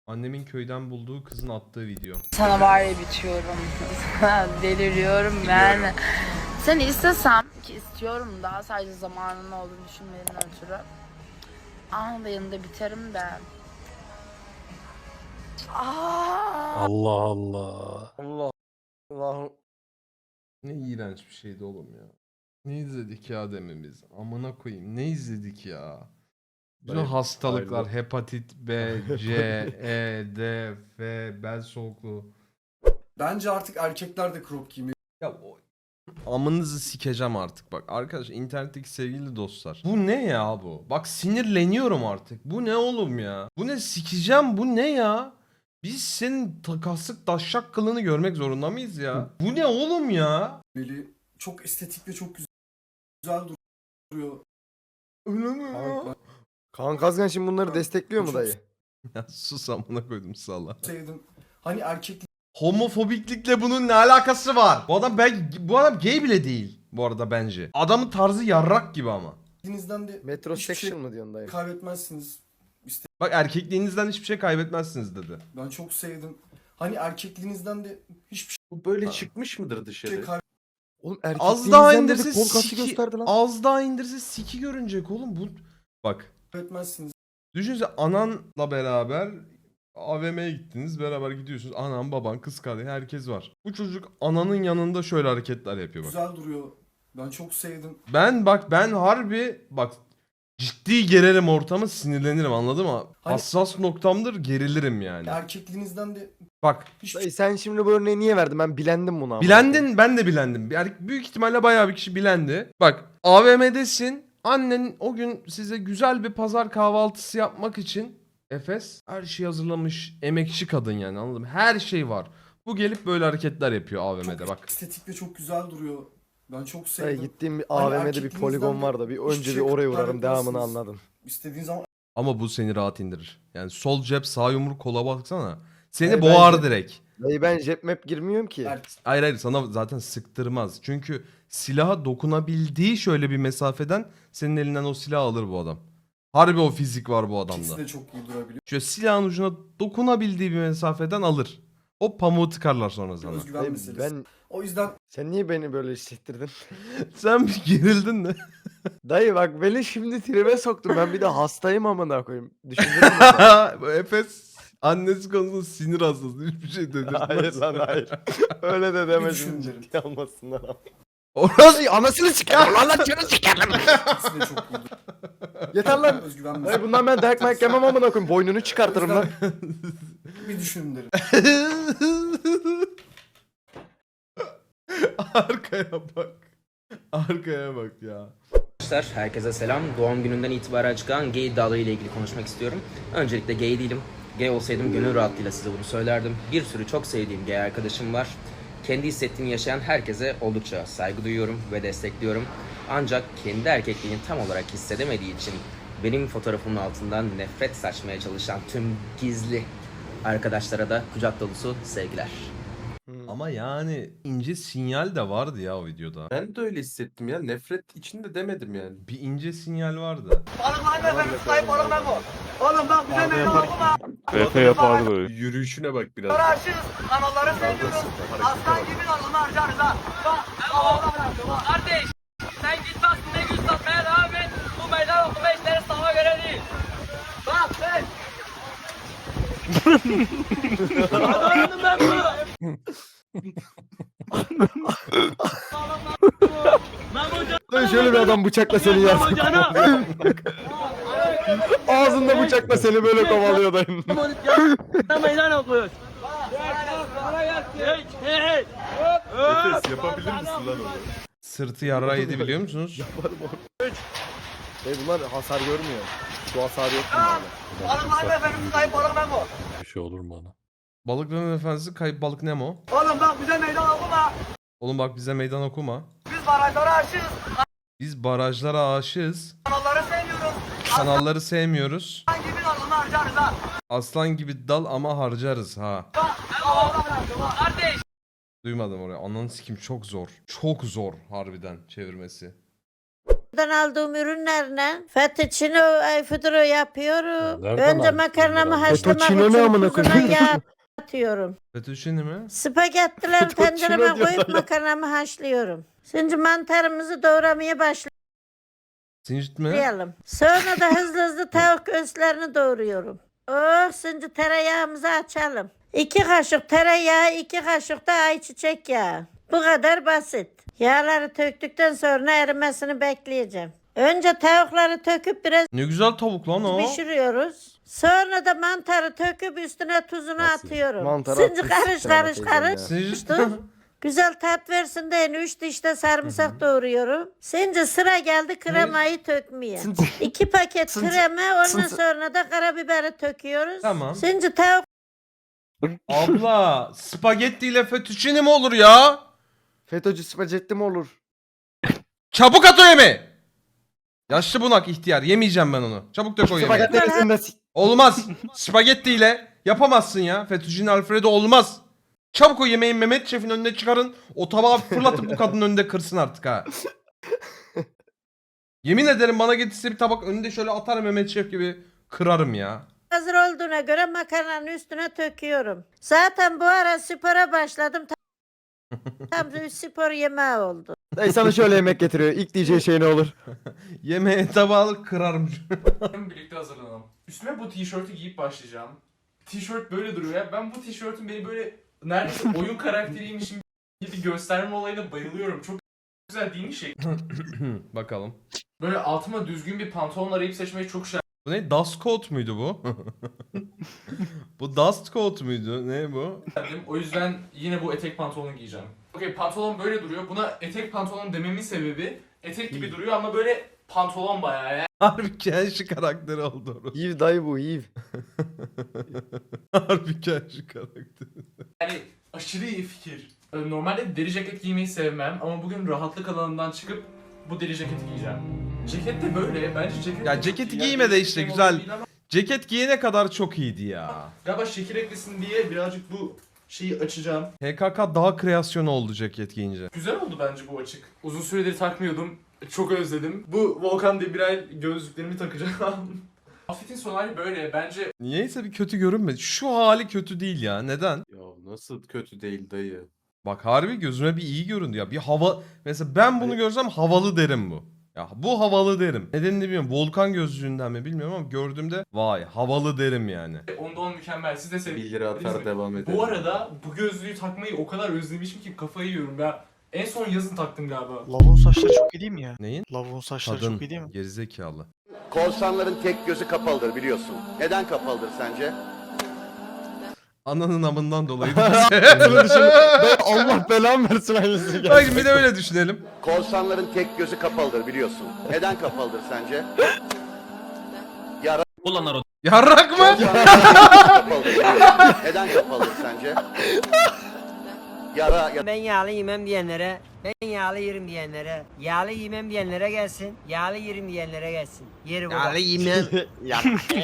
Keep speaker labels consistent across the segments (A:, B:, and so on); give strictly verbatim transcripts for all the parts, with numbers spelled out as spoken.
A: Annemin köyden bulduğu kızın attığı video.
B: Sana var ya bitiyorum. Deliriyorum yani. Seni istesem ki istiyorum daha sadece zamanın olduğunu düşünmeden ötürü. Anında yanında biterim de. Aa!
C: Allah Allah.
D: Allah Allah.
A: Ne iğrenç bir şeydi oğlum ya. Ne izledik ya dememiz. Amına koyayım. Ne izledik ya. Bütün
C: Dayı,
A: hastalıklar,
C: ayrı.
A: hepatit B, C, E, D, F, bel soğukluğu.
D: Bence artık erkekler de crop giymeyi
A: Ya o... Amınızı sikeceğim artık bak. Arkadaş internetteki sevgili dostlar. Bu ne ya bu? Bak sinirleniyorum artık. Bu ne oğlum ya? Bu ne sikeceğim bu ne ya? Biz senin takaslık daşşak kılını görmek zorunda mıyız ya? Bu ne oğlum ya?
D: çok estetik ve çok güzel, güzel duruyor.
A: Öyle mi ya?
D: Kaan,
C: Kaan Kazgan şimdi bunları destekliyor mu
D: Çok-
C: dayı?
A: Ya sus amına koydum salla.
D: ben sevdim. Hani erkekliğinizden
A: Homofobiklikle bunun ne alakası var? Bu adam ben bu adam gay bile değil bu arada bence. Adamın tarzı yarrak gibi ama.
D: de hiçbir şey
C: Metrosexual mı diyorsun dayı?
D: kaybetmezsiniz.
A: Bak erkekliğinizden hiçbir şey kaybetmezsiniz dedi.
D: Ben çok sevdim. Hani erkekliğinizden de hiçbir
E: Bu böyle çıkmış mıdır
D: şey
E: dışarı?
C: Oğlum
A: Az daha
C: erkekliğinizden
A: indirse
C: dedi kol kası
A: siki,
C: gösterdi lan.
A: az daha indirse siki görünecek oğlum bu. Bak
D: kaybetmezsiniz.
A: düşünsene ananla beraber A V M'ye gittiniz beraber gidiyorsunuz. Anan baban kız kardeşi herkes var. Bu çocuk ananın yanında şöyle hareketler yapıyor bak.
D: Güzel duruyor. Ben çok sevdim.
A: Ben bak ben harbi bak ciddi gererim ortamı sinirlenirim anladın mı?
D: Hani-
A: Hassas noktamdır gerilirim yani.
D: Erkekliğinizden de
A: Bak
D: hiçbir
C: Dayı sen şimdi bu örneği niye verdin? Ben bilendim bunu ama.
A: bilendin ben de bilendim. Yani büyük ihtimalle bayağı bir kişi bilendi. Bak A V M'desin annen o gün size güzel bir pazar kahvaltısı yapmak için Efes her şeyi hazırlamış emekçi kadın yani anladın mı? Her şey var. Bu gelip böyle hareketler yapıyor A V M'de
D: çok
A: bak.
D: estetik ve çok güzel duruyor. Ben çok
C: Dayı
D: sevdim.
C: gittiğim bir
D: Hani
C: A V M'de bir
D: erkekliğinizden
C: poligon
D: de
C: var da bir
D: hiçbir
C: önce bir
D: şey
C: oraya uğrarım
D: kaybetmezsiniz.
C: devamını anladım.
D: İstediğin zaman
A: Ama bu seni rahat indirir. Yani sol cep sağ yumruk kola baksana. Seni
C: Hayır,
A: boğar
C: bence-
A: direkt.
C: Dayı ben jet map girmiyorum ki.
D: Er-
A: Hayır hayır sana zaten sıktırmaz. Çünkü silaha dokunabildiği şöyle bir mesafeden senin elinden o silahı alır bu adam. Harbi o fizik var bu
D: ikisi
A: adamda.
D: de çok iyi durabiliyor.
A: Şöyle silahın ucuna dokunabildiği bir mesafeden alır. O pamuğu tıkarlar sonra sana.
D: Özgüven
C: Dayı,
D: meselesi.
C: ben
D: O yüzden
C: sen niye beni böyle hissettirdin?
A: Sen bir gerildin mi?
C: Dayı bak beni şimdi tribe soktun. Ben bir de hastayım amına koyayım. Düşündün mü sen?
A: Bu Efes annesi konusunda sinir hastası. Hiçbir şey dedirtmez.
C: Hayır lan hayır. Öyle de deme
D: düşün
C: şimdi
D: derim.
C: ciddi almasınlar ama.
A: Orası
C: Dayı anasını sikerim lan lan canı sikerim.
D: ikisi de çok iyi duruyor.
C: Yeter lan.
D: Özgüven
C: Dayı
D: meselesi.
C: bundan ben dayak mayak yemem amına koyayım. Boynunu çıkartırım lan.
D: Bir düşün derim.
A: Arkaya bak. Arkaya bak ya.
F: Arkadaşlar herkese selam. Doğum gününden itibaren çıkan gay iddiaları ile ilgili konuşmak istiyorum. Öncelikle gay değilim. Gay olsaydım gönül rahatlığıyla size bunu söylerdim. Bir sürü çok sevdiğim gay arkadaşım var. Kendi hissettiğini yaşayan herkese oldukça saygı duyuyorum ve destekliyorum. Ancak kendi erkekliğini tam olarak hissedemediği için benim fotoğrafımın altından nefret saçmaya çalışan tüm gizli arkadaşlara da kucak dolusu sevgiler.
A: Ama yani ince sinyal de vardı ya o videoda.
E: Ben de öyle hissettim ya. Nefret içinde demedim yani.
A: Bir ince sinyal vardı.
G: Efe yapardı.
E: Yürüyüşüne bak biraz.
H: Kanalları seviyoruz. Aslan gibi kanalını harcarız ha. Bak, kardeş, sen git bak ne güç satmaya devam et. Bu meydan okuma işleri sana göre değil. Bak sen. Anladım ben bunu.
C: Dayı şöyle bir adam bıçakla seni yersin. Ağzında bıçakla seni böyle kovalıyor dayım.
H: Sen meydan okuyoruz. Hey, hey, hey.
E: Efes yapabilir misin lan onu?
A: Sırtı yara yedi biliyor musunuz?
C: Dayı bunlar hasar görmüyor. Şu hasar yok bunlarda.
H: Balıkların efendisi kayıp balık Memo.
G: Bir şey olur mu ana?
A: Balıkların efendisi kayıp balık Nemo.
H: Oğlum bak bize meydan okuma.
A: Oğlum bak bize meydan okuma.
H: Biz barajlara aşığız.
A: Biz barajlara aşığız.
H: Kanalları sevmiyoruz.
A: Kanalları sevmiyoruz.
H: Aslan gibi kanalını harcarız ha.
A: Aslan gibi dal ama harcarız ha.
H: Kardeş.
A: Duymadım oraya. Ananı sikim çok zor. Çok zor harbiden çevirmesi.
G: aldığım ürünlerle fettuccine fıdırı yapıyorum.
E: nereden
G: Önce
E: aldın
G: makarnamı
E: bunları?
G: haşlamak
C: Fettuccine ne
G: için
C: amına
G: tuzuna
C: koyayım?
G: yağ atıyorum.
A: Fettuccine mi?
G: Spagettileri
C: Fettuccine
G: tencereme
C: diyor
G: koyup
C: ya.
G: makarnamı haşlıyorum. Şimdi mantarımızı doğramaya
A: Sincit mi?
G: başlayalım. Sonra da hızlı hızlı tavuk göğüslerini doğruyorum. Oh, şimdi tereyağımızı açalım. İki kaşık tereyağı, iki kaşık da ayçiçek yağı. Bu kadar basit. Yağları töktükten sonra erimesini bekleyeceğim. Önce tavukları töküp biraz
A: Ne güzel tavuk lan o.
G: pişiriyoruz. Sonra da mantarı töküp üstüne tuzunu
C: Nasıl?
G: atıyorum.
C: Mantarı
G: Şimdi
C: atmış
G: karış
C: sisteme
G: karış
C: teyzem
G: karış.
C: ya.
A: Sincit
G: Dur. Güzel tat versin diye üç diş de sarımsak doğruyorum. Şimdi sıra geldi kremayı tökmeye. İki paket krema, ondan sonra da karabiberi töküyoruz.
A: Tamam.
G: Şimdi tavuk
A: Abla spagetti ile fettuccine mi olur ya?
C: FETÖ'cü spagetti mi olur?
A: Çabuk at o yemeği. Yaşlı bunak ihtiyar. Yemeyeceğim ben onu. Çabuk dök o yemeği.
C: Spagetti arasında s-
A: Olmaz. Spagetti ile yapamazsın ya. Fettuccine Alfredo olmaz. Çabuk o yemeği Mehmet Şef'in önüne çıkarın. O tabağı fırlatıp bu kadının önünde kırsın artık ha. Yemin ederim bana getirse bir tabak önünde şöyle atar Mehmet Şef gibi kırarım ya.
G: hazır olduğuna göre makarnanın üstüne töküyorum. Zaten bu ara spora başladım. Tam- Tam bir spor yemeği oldu.
C: Dayı sana şöyle yemek getiriyor. İlk diyeceği şey ne olur?
A: Yemeğe tabağı alıp kırarım.
I: Birlikte hazırlanalım. Üstüme bu tişörtü giyip başlayacağım. Tişört böyle duruyor ya. Ben bu tişörtün beni böyle neredeyse oyun karakteriymişim gibi gösterme olayına bayılıyorum. Çok güzel değil mi şey?
A: Bakalım.
I: Böyle altıma düzgün bir pantolon arayıp seçmeyi çok şey
A: Bu ne? Dust coat muydu bu? Bu dust coat muydu? Ne bu?
I: yaptım. O yüzden yine bu etek pantolonu giyeceğim. Okey, pantolon böyle duruyor. Buna etek pantolon dememin sebebi etek gibi duruyor ama böyle pantolon bayağı ya.
A: Harbi Kenshi karakteri oldu orası.
C: Yiv dayı bu yiv.
A: Harbi Kenshi karakteri.
I: Yani aşırı iyi fikir. Ee, Normalde deri ceket giymeyi sevmem ama bugün rahatlık alanından çıkıp bu deri ceketi giyeceğim. Ceket de böyle. Bence ceket
A: Ya
I: de
A: ceketi
I: çok iyi.
A: giyme de
I: Yani
A: işte
I: şey
A: güzel.
I: model değil ama
A: Ceket giyene kadar çok iyiydi ya.
I: Galiba şekil eklesin diye birazcık bu şeyi açacağım.
A: H K K daha kreasyon oldu ceket giyince.
I: Güzel oldu bence bu açık. Uzun süredir takmıyordum. Çok özledim. Bu Volkan Demirel gözlüklerimi takacağım. Outfit'in son hali böyle. Bence
A: Niyeyse bir kötü görünmedi. Şu hali kötü değil ya. Neden?
E: Ya nasıl kötü değil dayı.
A: Bak harbi gözüme bir iyi göründü ya. Bir hava... Mesela ben bunu görsem havalı derim bu. Ya bu havalı derim. Nedenini bilmiyorum. Volkan gözlüğünden mi bilmiyorum ama gördüğümde vay havalı derim yani.
I: onda on mükemmel. Siz de sevin.
E: bir lira atar devam edelim.
I: Bu arada bu gözlüğü takmayı o kadar özlemişim ki kafayı yiyorum. Ben en son yazın taktım galiba.
J: Lavuğun saçları çok iyi değil mi ya?
A: Neyin?
J: Lavuğun saçları
A: Kadın.
J: çok iyi değil mi?
A: Gerizekalı.
K: Korsanların tek gözü kapalıdır biliyorsun. Neden kapalıdır sence?
A: Ananın amından dolayı.
C: Bunu düşün. Dayı Allah belamı versin aynısı.
A: Bak bir de öyle düşünelim.
K: Korsanların tek gözü kapalıdır biliyorsun. Neden kapalıdır sence? Yara
A: Yarrak mı?
K: kapalıdır biliyorsun. Neden kapalıdır sence? Yara, ya-
H: Ben yağlı yemem diyenlere, ben yağlı yerim diyenlere, yağlı yemem diyenlere gelsin, yağlı yerim diyenlere gelsin. Yeri burada.
A: yemem.
C: Ya.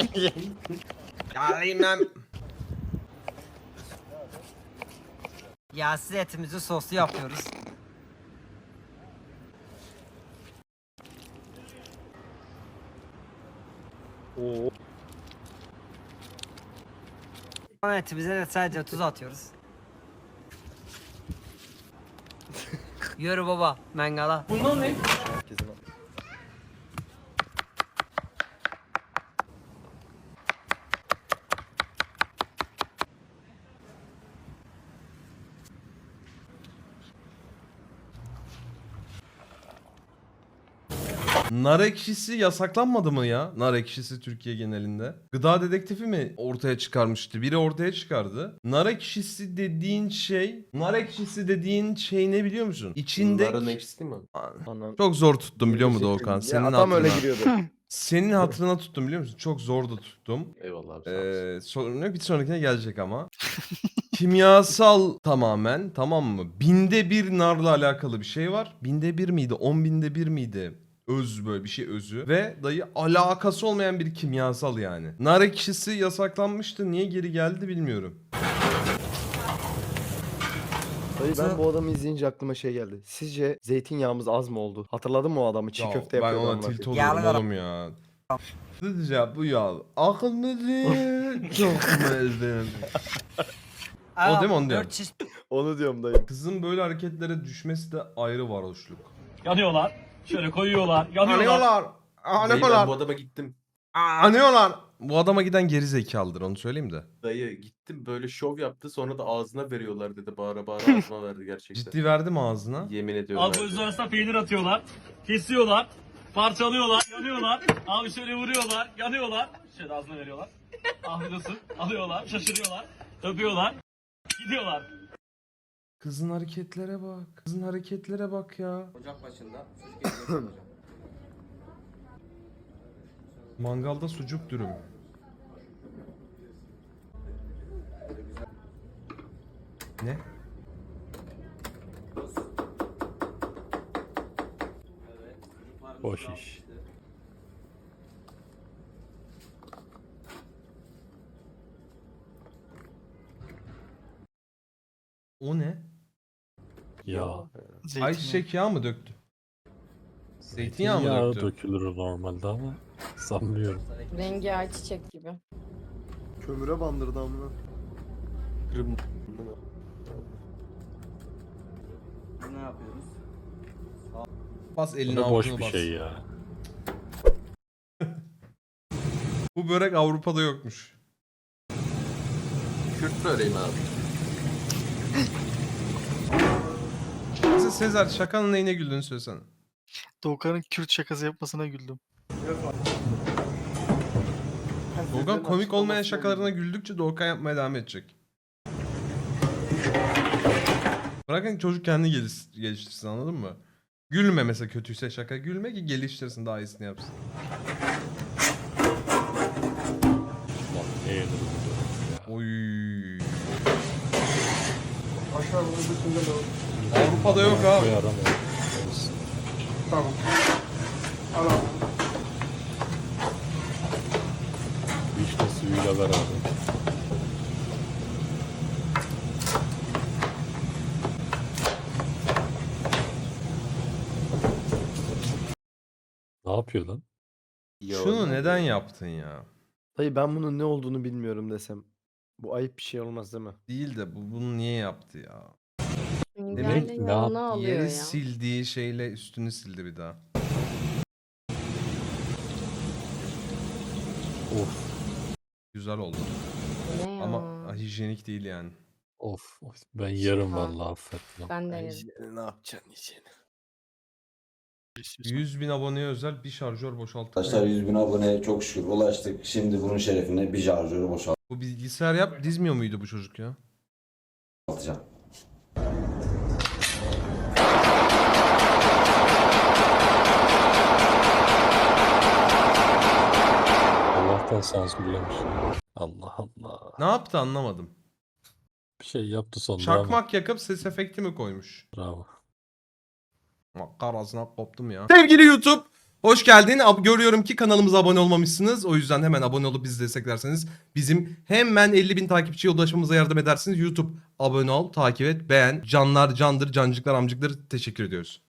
A: Yağlı yemem.
H: Yağsız etimizi soslu yapıyoruz.
C: Oo.
H: Son etimize de sadece tuz atıyoruz. Yürü baba, mangala.
I: Bunlar ne?
A: Nar ekşisi yasaklanmadı mı ya? Nar ekşisi Türkiye genelinde. Gıda dedektifi mi ortaya çıkarmıştı? Biri ortaya çıkardı. Nar ekşisi dediğin şey, nar ekşisi dediğin şey ne biliyor musun? İçinde
E: Bunların ekşisi mi?
C: Anan.
A: çok zor tuttum biliyor musun Doğukan?
C: Ya
A: Senin
C: adam öyle
A: hatırına.
C: giriyordu.
A: Senin hatırına tuttum biliyor musun? Çok zor da tuttum.
E: Eyvallah abi. sağ olasın.
A: Ee, sonra bir sonrakine gelecek ama. Kimyasal tamamen, tamam mı? Binde bir narla alakalı bir şey var. Binde bir miydi? On binde bir miydi? Öz böyle bir şey özü. Ve dayı alakası olmayan bir kimyasal yani. Nar ekşisi yasaklanmıştı. Niye geri geldi bilmiyorum.
C: Dayı ben bu adamı izleyince aklıma şey geldi. Sizce zeytinyağımız az mı oldu? Hatırladın mı o adamı? Çiğ
A: Ya
C: köfte
A: ben
C: yapıyordu.
A: ona
C: amına
A: tilt
C: koyayım.
A: oluyorum oğlum ya. Sizce bu ya akıl mı değil, çok mu değil? O değil mi onu diyorum.
C: Onu diyorum dayı.
A: Kızın böyle hareketlere düşmesi de ayrı varoşluk.
H: Yanıyorlar. Şöyle koyuyorlar. Yanıyorlar.
A: Anıyorlar.
E: Dayı ben bu
A: Anıyorlar.
E: adama gittim.
A: Anıyorlar. Bu adama giden geri zekalıdır onu söyleyeyim de.
E: Dayı gittim böyle şov yaptı sonra da ağzına veriyorlar dedi. Bağıra bağıra ağzıma verdi gerçekten.
A: Ciddi verdim ağzına.
E: Yemin ediyorum.
H: Abi
E: verdi.
H: bunun arasına peynir atıyorlar. Kesiyorlar. Parçalıyorlar. Yanıyorlar. Abi şöyle vuruyorlar. Yanıyorlar. Şöyle ağzına veriyorlar. Afiyet olsun. Alıyorlar. Şaşırıyorlar. Öpüyorlar. Gidiyorlar.
A: Kızın hareketlere bak. Kızın hareketlere bak ya.
F: Ocak başında çocuk
A: Mangalda sucuk dürüm. Ne?
E: Boş iş.
A: O ne?
E: Ya.
A: Ayçiçek yağı mı döktü? Zeytinyağı mı döktü?
E: dökülür normalde ama sanmıyorum.
B: Rengi ayçiçek gibi.
C: Kömüre bandırdı amına.
E: Kırım.
F: Ne yapıyoruz?
A: Bas elini avucuna bas.
E: ya.
A: Bu börek Avrupa'da yokmuş.
E: Kürt böreğim abi.
A: Mesela Sezer şakanın neyine güldüğünü söylesene.
D: Doğukan'ın Kürt şakası yapmasına güldüm.
A: Doğukan komik olmayan şakalarına güldükçe Doğukan yapmaya devam edecek. Bırakın çocuk kendi geliş- geliştirsin anladın mı? Gülme mesela kötüyse şaka gülme ki geliştirsin daha iyisini yapsın. Oy. Avrupa'da yok abi.
D: Tamam. Al abi.
E: İşte suyuyla beraber. Ne yapıyor lan?
A: Şunu neden yaptın ya?
C: Dayı ben bunun ne olduğunu bilmiyorum desem. Bu ayıp bir şey olmaz değil mi?
A: Değil de bu bunu niye yaptı ya?
E: Demek
A: Demek
E: ne yap-
A: yeri sildiği şeyle üstünü sildi bir daha.
E: Of.
A: Güzel oldu. Ama hijyenik değil yani.
E: Of. of. Ben yarım vallahi affetmem.
B: Ben
C: Hijyeni ne yapacaksın hijyeni?
A: yüz bin aboneye özel bir şarjör boşalttık.
J: Arkadaşlar yüz bin aboneye çok şükür ulaştık. Şimdi bunun şerefine bir şarjörü
A: Bu bilgisayar yap dizmiyor muydu bu çocuk ya?
J: boşaltacağım.
E: Allah'tan sansürlemiş. Allah Allah.
A: Ne yaptı anlamadım.
E: Bir şey yaptı sonunda
A: Çakmak yakıp ses efekti mi koymuş?
E: Bravo.
A: Karasına koptum ya. Sevgili YouTube, hoş geldin. Ab- Görüyorum ki kanalımıza abone olmamışsınız. O yüzden hemen abone olup bizi desteklerseniz bizim hemen elli bin takipçiye ulaşmamıza yardım edersiniz. YouTube abone ol, takip et, beğen. Canlar candır, cancıklar amcıklar teşekkür ediyoruz.